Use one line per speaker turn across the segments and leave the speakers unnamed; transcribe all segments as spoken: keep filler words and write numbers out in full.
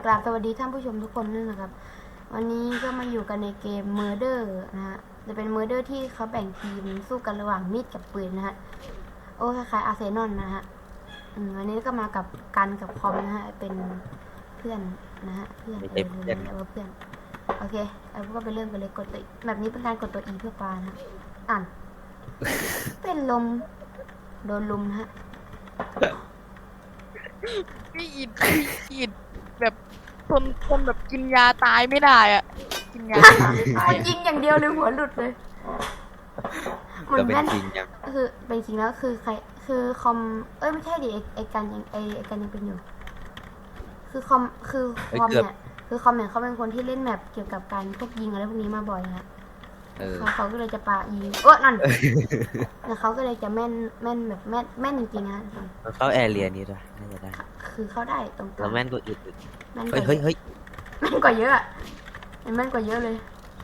กราบสวัสดีท่านผู้ชมทุกคนด้วยนะครับ วันนี้ก็มาอยู่กันในเกม Murder นะฮะจะเป็น Murder ที่เขาแบ่งทีมสู้กันระหว่างมีดกับปืนนะฮะโอ้คล้ายๆอาร์เซนอลนะฮะวันนี้ก็มากับกันกับคอมนะฮะเป็นเพื่อนนะฮะเพื่อนเออเรียกว่าเพื่อนโอเคเอาก็ไปเริ่มกันเลยกดตัวแบบนี้เป็นการกดตัว E เพื่อปลานะอ่านเป็นลมโดนลุมนะฮะ
พี่อิดพี่อิดแบบทนทนแบบกินยาตายไม่ได้อ่ะกินยาตายไม่ตาย
มันยิงอย่างเดียวเลยหัวหลุดเลยเหมือนแม่น
จริงยัง
คือเป็นจริงแล้วคือใครคือคอมเอ้ยไม่ใช่ดิไอไอกันยังไอไอกันยังเป็นอยู่ คือคอมคือคอมเนี่ยคือคอมเนี่ยเขาเป็นคนที่เล่นแมปเกี่ยวกับการพวกยิงอะไรพวกนี้มาบ่อยนะเขาเขาก็เลยจะปายิงเออนั่นแล้วเขาก็เลยจะแม่นแม่นแบบแม่นแม่นจริงๆนะ
มันเข้าแอร์เรียนี้ด้วยน่าจะได้
คือเขาได้ตรงกลา
แล้
ง
วแม่นก็อึดอึด
แม่นก
เฮ้ย
ว่า
เฮ้ยเฮ้ย
แม่นกว่าเยอะอะแม่นกว่าเยอะเลย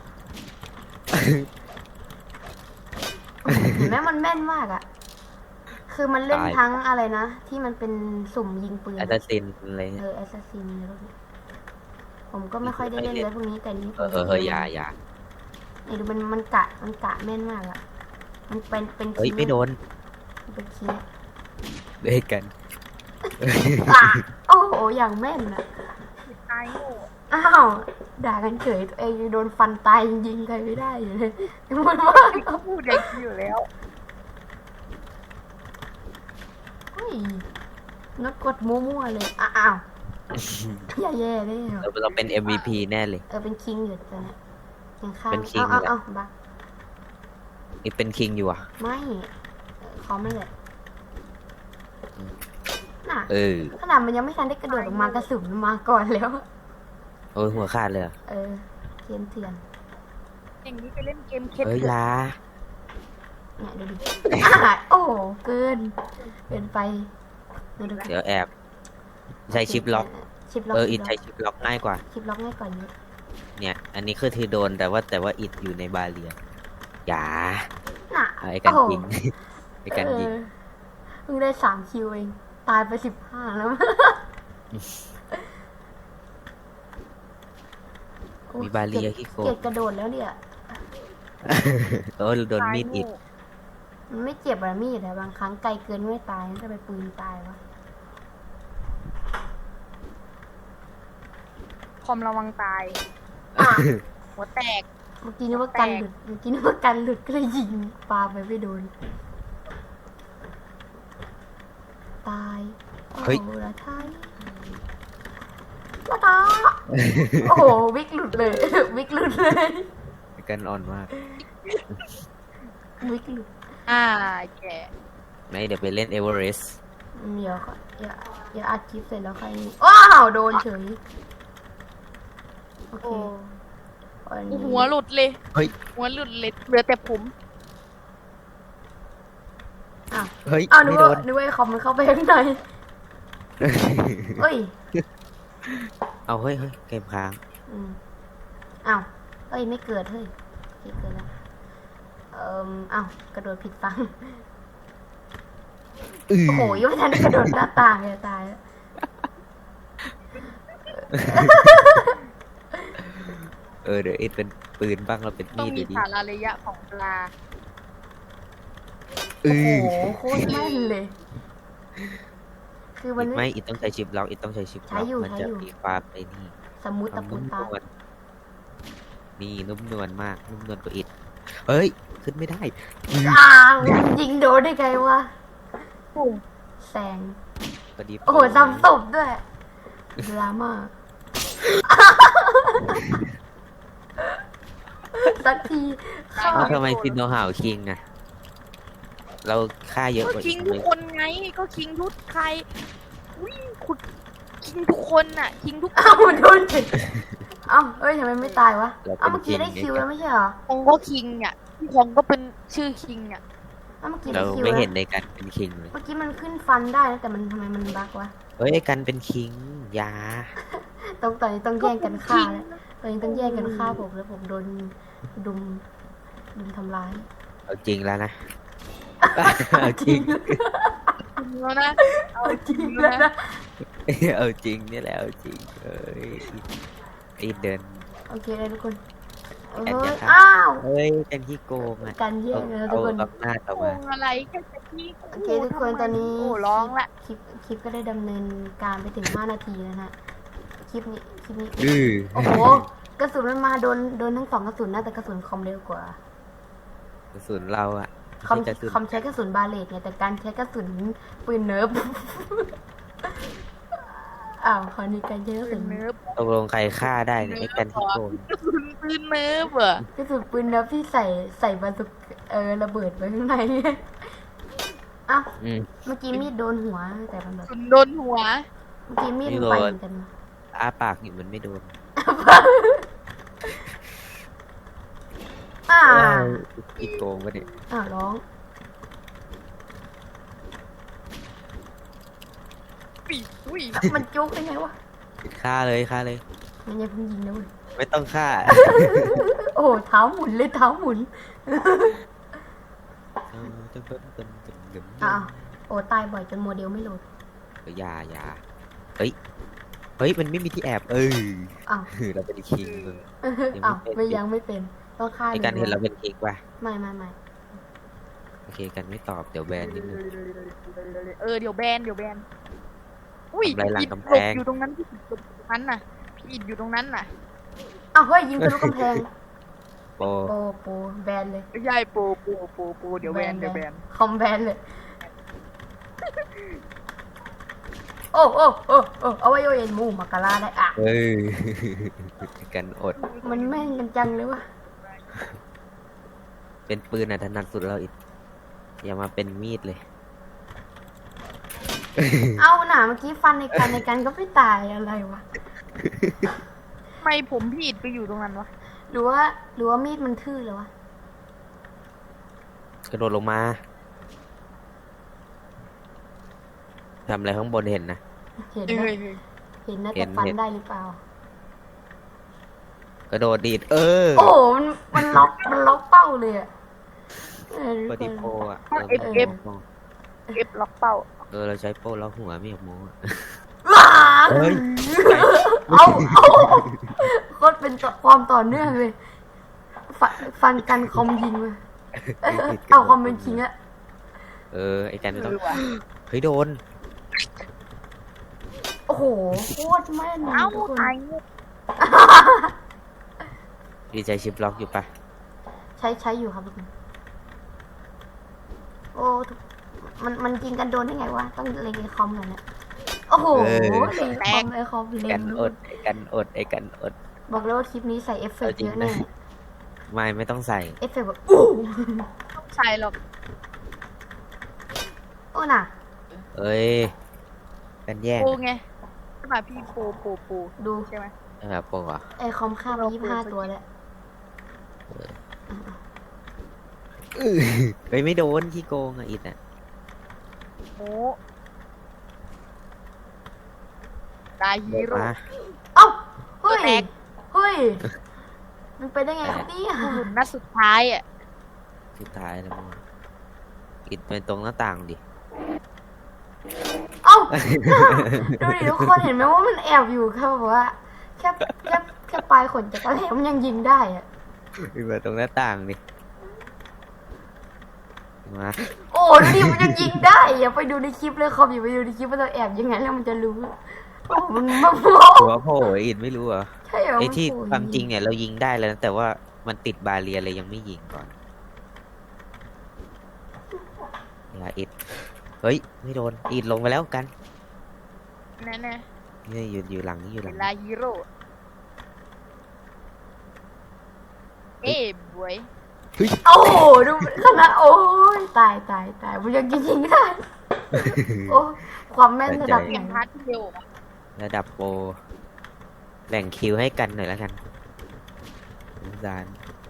เห็นไหมมันแม่นมากอะคือมันเล่นทั้งอะไรนะที่มันเป็นสุ่มยิงปืน
แอสซัสซินอะไร
เอ
เงี้ย
อแอสซัสซินอะไรพวกนี้ผมก็ไม่ค่อยได้เล่นเลยพวกนี้แต่นี้ผ
เอ
ม
อเออเฮ้ยอย่าอย่า
นี่ดูมันมันกะมันกะแม่นมากอะมันเป็นเป็น
เฮ้ยไม่โดน
มันเป็นคีย์
เด็กกัน
อ่ะโอ้โหอย่างแม่นอะ
ตายโง่
อ้าวด่ากันเฉยตัวเองยังโดนฟันตายยิงใครไม่ได้อยู่เลยมันว่า
เขาพูดอย่างนี้อยู่แล้ว
เฮ้ยนักกดมั่วๆเลยอ้าวอย่าแย่เลย
เราเราเป็น เอ็ม วี พี แน่เลย
เออเป็นคิงอยู่ตอนนี้ยังข้าง
เป็น king
เอาเอา
แหละ
เอาบัก
นี่เป็นคิงอยู่อ่ะ
ไม่ขอมันเลยน่ะ
เออ
ขนาดมันยังไม่ทันได้กระโดดออกมากระสุนมันมาก่อนแล้ว
โอ้ยหัวขาดเลยอะ
เออเทียนเถื่อน
อย่างนี้ไปเล่นเกมเคส
เฮ้ย
เถอะ
ลา
เนี่ยดูดิอ่ะโอ้โหเกินเกินไปดูดู
เดี๋ยวแอบใช้ชิปล็อก
ชิปล็อก
เอออิดใช้ชิปล็อกง่ายกว่า
ชิปล็อกง่ายกว่าเยอะ
เนี่ย อันนี้คือทีโดนแต่ว่าแต่ว่าอิดอยู่ในบาเรียอย่า
น่ะ
เอาไอ้กัน
โอ้โห
ยิงไอ้กันยิง
เออเพิ่งได้สามคิวเองตายไปสิบห้าแล้ว
มีบาเรียที่โก
เกลียดกระโดดแล้วเนี่ย
เออโดนมีดอิด
มันไม่เจ็บอะมีดแต่บางครั้งไกลเกินไม่ตายจะไปปืนตายวะ
คอมระวังตาย หัวแตก
เมื่อกี้นึกว่ากันหลุดเมื่อกี้นึกว่ากันหลุดก็เลยยิงปาไปไม่โดนตายโอ้โหละท้ายละตาโอ้โหวิกหลุดเลย วิกหลุดเลย
ไอ้กันอ่อนมาก
วิกหลุด
อ่าแก
ไม่เดี๋ยวไปเล่นเอเวอเรสต์
เดี๋ยวค่ะอย่าอย่าอัดคลิปเสร็จแล้วใครนี่ว้าวโดนเฉยโอเค
โอ้
วันนี้
หัวหลุดเลย
เฮ้ย
หัวหลุดเลยเหลือแต่ผม
อ้าว
เฮ้ย
อ้าวนึ
ไม่
ก
โด
ว่าน นึกว่าไอ้คอมมันเข้าไปข้างในเอ้ย
เอาเฮ้ยเฮ้ยเกมค้าง
อืมอ้าวเอ้ยไม่เกิดเฮ้ยโอเคเกิดแล้วเอ่มอ้าวกระโดดผิดฝั่ง
อือ
โอ้โหยังไม่ทันได้กระโดดหน้าต่างเลยตายแล้ว
เออเดี๋ยวเอ็ดเป็นปืนบ้างเราเป็น
ต้อง
มีด
มี
เดี๋ยวดี
สาระระยะของปลา
อื
โอ้
อ
โหโคตรแม่นเลย คือมัน
อิด
ไม่
ไม่อิดต้องใช้ชิปล็อกอิดต้องใช้ชิปล็
ใช้
อก
อยู่
มั
ใช้
จะ
อยู่
มีความไอ้นี่
สมูท
ค
ตะ
วาม
ปู
นุ่ม
ตาน
วลนี่นุ่มนวลมากนุ่มนวลกว่าอิดเฮ้ยขึ้นไม่ได้อือ
อ้าวยิงโดนได้ไงวะ
ปุ่ม
แซง
พอดี
โอ้โหซ้ำศพด้วยดราม่าสักทีเข้า
เอ้าทำไมซินโนฮาวคิงอะเราฆ่าเยอะ
ก็
กว่า
คิ
อี
ง
ก
ทุ
เล
ก
ย
คนไงก็คิงทุกใครอุ้ยขุดคิงทุกคนน่ะคิงทุก
เอ้าโดนจิเอ้าเอ้ยทำไมไม่ตายวะ
เรา
เอ้า
เป็น
เมื่อกี้ได้
คิง
คิวแล้วไม่ใช่เหรอ
คงก็คิงอ่ะพี่คงก็เป็นชื่อคิงอ่ะ
เอ้าเมื่อกี้
เรา
ได้คิว
ไม่
แล้ว
เห็นในการเป็นคิงเลย
เมื่อกี้มันขึ้นฟันได้นะแต่มันทำไมมันบั๊กวะ
เฮ้ยไอ้กันเป็นคิงอยา
ต้องตอนนี้ต้องแย่งกันฆ่าแล้วตอนนี้ต้องแย่งกันฆ่าผมแล้วผมโดนดุมดุมทำร้าย
เอาจริงแล้วนะเอาจริง
จริงแล้วนะ
เอาจริงแล้วนะ
เอาจริงนี่แหละเอาจริงเอ้ยอิดเดิน
โอเคเลยทุกคนเอ้
แอนจะ
ย
ทำ
อ้าว
เฮ้ยกันที่โกงอ่ะ
การแย่
เอา
งนะ
เอา
ทุกคน
อำนาจออก
โก
มา
งอะไรแค่จะพี่
โอเคทุกคนตอนนี้
โอ้ร้องละ
คลิปคลิปก็ได้ดำเนินการไปถึงห้านาทีแล้วนะฮะคลิปนี้คลิปนี้
ดื้อ
โอ้โหกระสุนมันมาโดนโดนทั้งสองกระสุนนะแต่กระสุนคอมเร็วกว่า
กระสุนเราอ่ะ
คอม
ไม่ใช่กระสุน
คอมใช้กระสุนบาเลตไงแต่การใช้กระสุนปืนเนิร์ฟ อ้าวคราวนี้การใช้กระ
ปื
สุ
น
น
เนิร์ฟ
ตกลงใครฆ่าได้เนี่ยไอ้กันที่โกง
กระสุนปืนเนิร์ฟเหรอก
ระสุนปืนเนิร์ฟที่ใส่ใส่บาสุกเออระเบิดไว้ข้างใน อ้าว
อืม
เมื่อกี้มีดโดนหัวแต่มัน
ก
แบ
ระ
บ
สุนโดนหัว
เมื่อกี้มีด
ไม่
มัน
โดน
ไปเหมือนกัน
อ้าปากอยู่มันไม่โดน
อ่า
อีกโกงปะเนี่ย
อ่าร้อง
อุ้ยอุ้ย
มันจุกได้ไงวะ
ฆ่าเลยฆ่าเลย
มันยังเพิ่งยิงนะเว้ย
ไม่ต้องฆ่า
โอ้โหเท้าหมุนเลยเท้าหมุนอ้าวโอ้ตายบ่อยจนโมเดลไม่โหลด
อย่าอย่าเฮ้ย เฮ้ย มันไม่มีที่แอบ เออ
อ้าว
เราเป็นคิงมึง ยังไม่
อ้าว
เป็น
ไม่ยังไม่เป็นต้องฆ่า
ไอ้กันเห็นเราเป็นคิงป่ะ
ไม่ไม่ไม่
โอเคกันไม่ตอบ เดี๋ยวแบนนิดนึง
เออเดี๋ยวแบนเดี๋ยวแบนอุ้ย
ทำลายหลัง
อิด
กำ
ห
แพ
ลบ
ง
อยู่ตรงนั้นพี่อิดหลบอยู่ตรงนั้นน่ะพี่อิดอยู่ตรงนั้นน่ะ
อ้าวเฮ้ยยิงทะลุกำแพง
โป
โปโปแบนเลย
ไม่ใช่โปโปโปโปเดี๋ยวแบนเดี๋ยวแบน
คอมแบนเลย โอ้โอ้โอ้โอ้เอาไว้โยเอ็นมูมากาลาได้อ่ะ
เฮ้ย กันอด
มันแม่นกันจังเลยวะ
เป็นปืนอ่ะถนัดสุดเราอีก อย่ามาเป็นมีดเลย
เอาหนาเมื่อกี้ฟันในกันในกันก็ไม่ตายอะไรวะ
ทำไมผมพี่อิดไปอยู่ตรงนั้นวะ
หรือว่าหรือว่ามีดมันทื่อเลยวะ
กระโดดลงมาทำอะไรข้างบนเห็นนะ
เห็น
เอ
นะ
อเออ
เห็นนะ
เห็
แต่
น
ฟัน
เห็น
ได้หรือเปล่า
กระโดดดีด เออ
โอ้โหมันมันล็อกมันล็อกเป้าเลยอะเออ
ป
ทุก
ฏิ
คน
โพอ่ะ
เอฟเอฟเอฟล็อกเป้า
เออเราใช้โป้ล็อกหัวไม่อยากโม้อะ
ว้า
เฮ้ย
เอาเอาโคตรเป็นต่อความต่อเนื่องเลยฟันฟันกันคอมยิงเลยเออเอาคอมเป็นคิงอะ
เออ ไอ้กันไม่ต้อง
เออว่ะ
เฮ้ยโดน
โอ้โหโคตรแม่น
เอ้า
ทุกคน
ตายเงี้ย
ดีใจชิปล็อกอยู่ปะ
ใช้ใช้อยู่ครับทุกคนโอ้ทุกมันมันยิงกันโดนได้ไงวะต้องเล็งไอคอมหน่อยเนี่ยโอ้โหเล็งไอคอมไอคอมเล็
กั
ง
นอด ไอ้กันอด ไอ้กันอด
บอกเลยว่าคลิปนี้ใส่เอฟเฟกต์
เอาจริ
เย
ง
อะ
นะ
แน่
ไม่ไม่ต้องใส่
เอฟเฟกต์แบบอู้
ต้องใส่หรอก
โอ้น่ะ
เอ้ย กันแย่ง
โปไงใช่ป่ะพี่โปโปโป
ดู
ใช่ไหม
เออโปอ่ะ
ไอคอมฆ่าไปยี่สิบห้าตัวแล้ว
เฮ้ยไม่โดนขี้โกงอ่ะอิดอ่ะ
โมตายฮี
โดน
โร่
มา
เอ้าเฮ้ย
แตก
เฮ้ยมันไปได้ไงครับเนี่ย
หมุนนัดสุดท้ายอ่ะ
สุดท้ายแล้วมึงอิดไปตรงหน้าต่างดิ
เอ้าดูดิทุกคนเห็นไหมว่ามันแอบอยู่แค่แบบว่าแค่แค่แค่ปลายขนจักรแหลมมันยังยิงได้อะ
อิดไปตรงหน้าต่างดิ มา
โอ้ดูดิมันจะยิงได้อย่าไปดูในคลิปเลยคอมอย่าไปดูในคลิปว่าเราแอบยังไงแล้วมันจะรู้โอ้มันมันโผล่
หัวโผล่อิดไม่รู้เหรอ
ใช่เหรอ
ไอ้
มัน
ที่
โผล่
ความจริงเนี่ยเรายิงได้แล้วนะแต่ว่ามันติดบาเรียเลยยังไม่ยิงก่อนอย่าอิดเฮ้ยไม่โดนอิดลงไปแล้วกัน
แน่แน่
นี่อยู่อยู่หลังนี่อยู่ห
เว
ลัง
ลาฮีโร่เอ้บวย
โอ้โหดูขนาดโอ้ยตายตายตายมันยังยิงได้โอ้ความแม่นระดับ
เก
ไหน
มพาร์ทที่เร็วอะ
ระดับโปรแหล่งคิวให้กันหน่อยแล้วกันสงสาร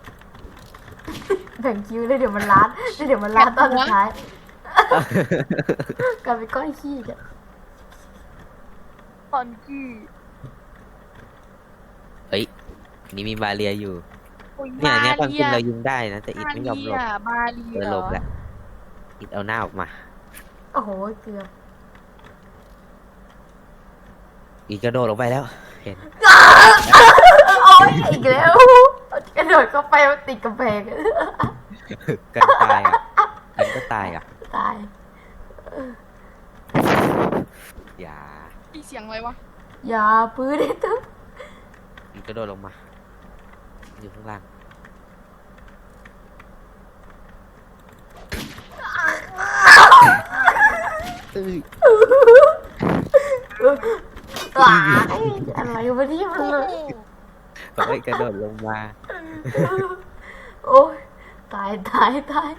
แบ่งคิวเลยเดี๋ยวมันล้านเดี๋ยวมันล้านตอนสุดท้ายกลายเป็นก้อนขี้อะ
ตอนที่
เฮ้ยอันนี่มีบาเรียอยู่
โอ้ย
เนี่ยเนี่ยความจริง
มา
เรา
เรีย
ยิงได้นะแต่อิดไม่ยอมหลบ
มาเรีย
เออหลบแหละอิดเอาหน้าออกมา
โอ้โหเกือบ
อีกกระโดดลงไปแล้ว เห็น
โอ้ยอีกแล้วกระโดดเข้าไปมันติดกำแพง
กันตายอ่ะกันก็ตายอ่ะ
ตาย
อย่า
ที่เสียงอะไรวะ
อย่าปื้อได้ตึ๊บ
อีกกระโดดลงมา อยู่ข้างล่างตื้อ
ว้ายอะไรวะที่มันเลย
ก็ไม่กระโดดลงมา
โอ้ยตายตายตาย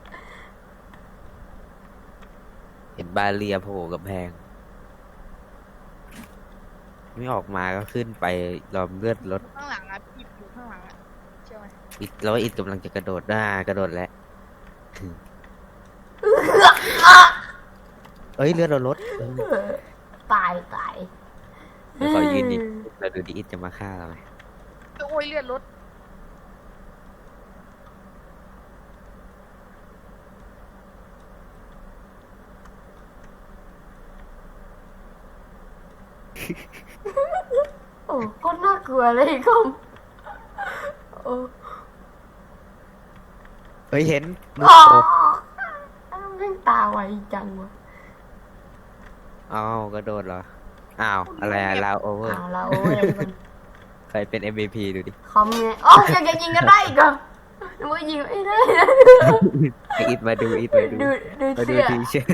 เห็นบาเรียโผล่กับแพง ไม่ออกมาก็ขึ้นไปรอมเลือดรถ
ข้างหลังอ่ะอิดอยู่ข้างหลังอ่ะเชื่อไหม
อิดแล้วอิดกำลังจะกระโดดหน้ากระโดดแล้ว เอ้ยเลือดเราลดเออ
ตายตาย
เดี๋ยวขอยืนดิเราดูดิอิดจะมาฆ่าเราไหม
โอ้ยเลือดรถ
โอ้ก็น่ากลัวเลยคอมโอ้
เฮ้ยเห็นมุก
อ๋อ
โอ้
เร่งตาไวจังวะ
อ้าวกระโดดเหรอ อ้าว อะไรอะลาวโอเวอร์
เอาละโอ้ยทุกคน
ใครเป็น เอ็ม วี พี ดูดิ
คอมเนี่ยอ๋อยังจะยิงกันได้อีกเหรอนึกว่ายิงไม่ได้นะ
ไออิดมาดูอิดมาดู
ดูดู
มาดู
เสื้อ
ทีเชิร์ต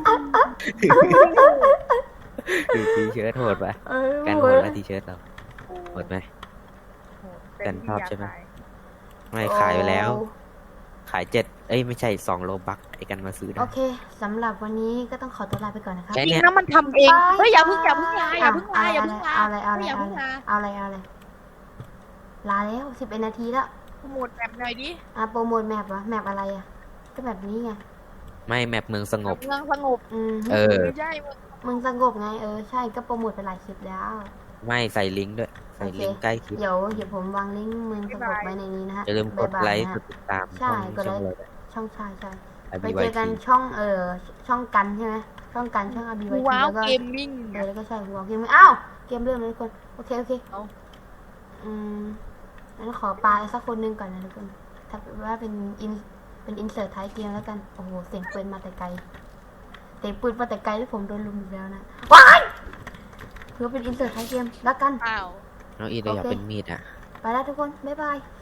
ดูทีเชิร์ตโหดปะ
เออ
กัน
โห
โหด
ด
แล้วทีเชิร์ตเราโหดไหม
โห
กันชอบใช่ไหม
เต็ที่ยาตาย
ไม่ขายไปแล้ว ขายเจ็ดเอ้ยไม่ใช่สองโลบักไอ้กันมาซื้อ
โอ
ได้
เคสำหรับวันนี้ก็ต้องขอตัวลาไปก่อนนะครับ
ใช่
จริงนะมันทำเองเฮ้ยอย่าเพิ่งอย่าเพิ่งลาอย่าเพิ่งลาอย่าเพิ่งลา
เอาอะไรเอาอะไร
อย่า
เอา
เพิ่ง
อะไร
ลา
เอาอะไรเอาอะไรลาแล้วสิบเอ็ดนาทีแล้ว
โปรโมทแบบหน่อยดิ
อ่ะโปรโมทแมปวะแมปอะไรอ่ะก็แบบนี้ไง
ไม่แมปเมืองสงบ
เมืองสงบ
อืม
เออ
ไม่ใช่มึง
มึงสงบไงเออใช่ก็โปรโมทไปหลายคลิปแล้ว
ไม่ใส่ลิงก์ด้วย ใส่ลิงก์ใกล้คลิป
เดี๋ยวเดี๋ยวผมวางลิงก์มึงสงบไว้ในนี้นะฮะ
อย่าลืมกด
บ๊ายบาย
ไลค์
นะ
ก
ฮะ
ดติดตาม
ใช่
ช่อง
กดไลค์
ช่องเลย
ช่องชายใช่
ไอ
ไป
บี
เจ
วาย
อกัน
ที
ช่องเออช่องกันใช่ไหมช่องกันช่องอาบีไวที
ว้าว
แล้วก็
เกมมิ่ง
เออแล้วก็ใช่หัวเกมอ้าวเกมเริ่มเลยทุกคนโอเคโอเค
เอา
อืมงั้นขอปลาสักคนหนึงก่อนนะทุกคนถ้าว่าเป็นอินเป็นอินเสิร์ตท้ายเกมแล้วกันโอ้โหเสียงปืนมาแต่ไกลเสียงปืนมาแต่ไกลแล้วผมโดนลุมอีกแล้วนะว้ายเพื่อเป็นอินเสิร์ตท้ายเกมแล้วกัน
อ้าว
น้องอีเราอยากเป็นมีดอ่ะ
ไปแล้วทุกคนบ๊ายบาย